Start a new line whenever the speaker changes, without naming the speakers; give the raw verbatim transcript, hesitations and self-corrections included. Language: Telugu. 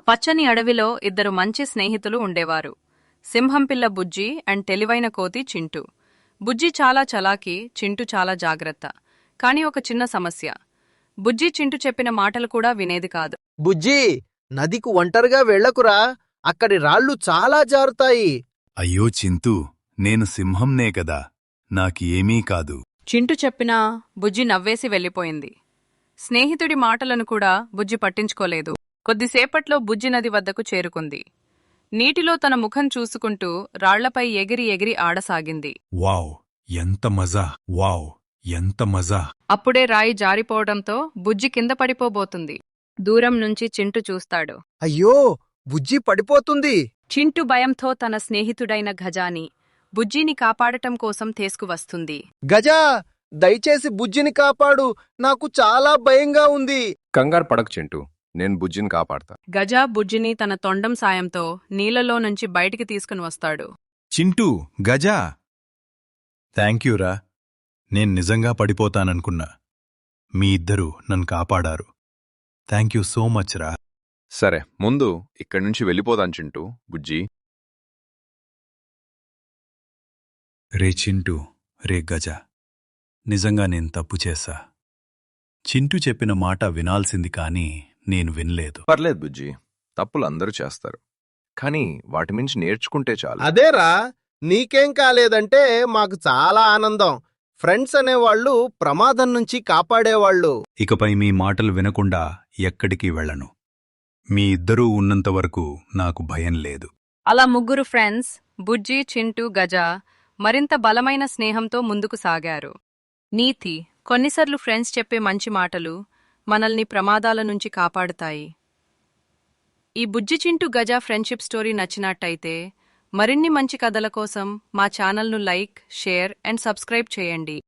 పచ్చని అడవిలో ఇద్దరు మంచి స్నేహితులు ఉండేవారు. సింహంపిల్ల బుజ్జి అండ్ తెలివైన కోతి చింటూ. బుజ్జి చాలా చలాకీ, చింటూ చాలా జాగ్రత్త. కాని ఒక చిన్న సమస్య. బుజ్జి చింటూ చెప్పిన మాటలు కూడా వినేది కాదు.
బుజ్జీ, నదికి ఒంటరిగా వెళ్ళకురా, అక్కడి రాళ్ళు చాలా జారుతాయి.
అయ్యో చింతూ, నేను సింహంనే కదా, నాకి ఏమీ కాదు.
చింటూ చెప్పినా బుజ్జి నవ్వేసి వెళ్ళిపోయింది. స్నేహితుడి మాటలను కూడా బుజ్జి పట్టించుకోలేదు. కొద్దిసేపట్లో బుజ్జి నది వద్దకు చేరుకుంది. నీటిలో తన ముఖం చూసుకుంటూ రాళ్లపై ఎగిరి ఎగిరి ఆడసాగింది.
వావ్, ఎంత మజా! వావ్, ఎంత మజా!
అప్పుడే రాయి జారిపోవడంతో బుజ్జి కింద పడిపోబోతుంది. దూరం నుంచి చింటూ చూస్తాడు.
అయ్యో, బుజ్జి పడిపోతుంది.
చింటూ భయంతో తన స్నేహితుడైన గజాని బుజ్జిని కాపాడటం కోసం తీసుకువస్తుంది.
గజా, దయచేసి బుజ్జిని కాపాడు, నాకు చాలా భయంగా ఉంది.
కంగారు పడకు చింటూ, నేను బుజ్జిని కాపాడతా.
గజా బుజ్జిని తన తొండం సాయంతో నీళ్లలో నుంచి బయటికి తీసుకుని వస్తాడు.
చింటూ, గజా, థ్యాంక్యూరా. నేను నిజంగా పడిపోతాననుకున్నా. మీ ఇద్దరూ నన్ను కాపాడారు. థ్యాంక్యూ సో మచ్ రా.
సరే, ముందు ఇక్కడి నుంచి వెళ్ళిపోదాం చింటూ. బుజ్జి,
రే చింటూ, రే గజా, నిజంగా నేను తప్పు చేశా. చింటూ చెప్పిన మాట వినాల్సింది కాని నేను వినలేదు.
పర్లేదు బుజ్జి, తప్పులు అందరూ చేస్తారు, కానీ వాటి మించి నేర్చుకుంటే చాలు.
అదేరా, నీకేం కాలేదంటే మాకు చాలా ఆనందం. ఫ్రెండ్స్ అనేవాళ్లు ప్రమాదం నుంచి కాపాడేవాళ్లు.
ఇకపై మీ మాటలు వినకుండా ఎక్కడికి వెళ్ళను. మీ ఇద్దరూ ఉన్నంతవరకు నాకు భయం లేదు.
అలా ముగ్గురు ఫ్రెండ్స్ బుజ్జి, చింటూ, గజా మరింత బలమైన స్నేహంతో ముందుకు సాగారు. నీతి: కొన్నిసార్లు ఫ్రెండ్స్ చెప్పే మంచి మాటలు మనల్ని ప్రమాదాల నుంచి కాపాడుతాయి. ఈ బుజ్జి చింటూ గజా ఫ్రెండ్షిప్ స్టోరీ నచ్చినట్టయితే మరిన్ని మంచి కథల కోసం మా ఛానల్ను లైక్, షేర్ అండ్ సబ్స్క్రైబ్ చేయండి.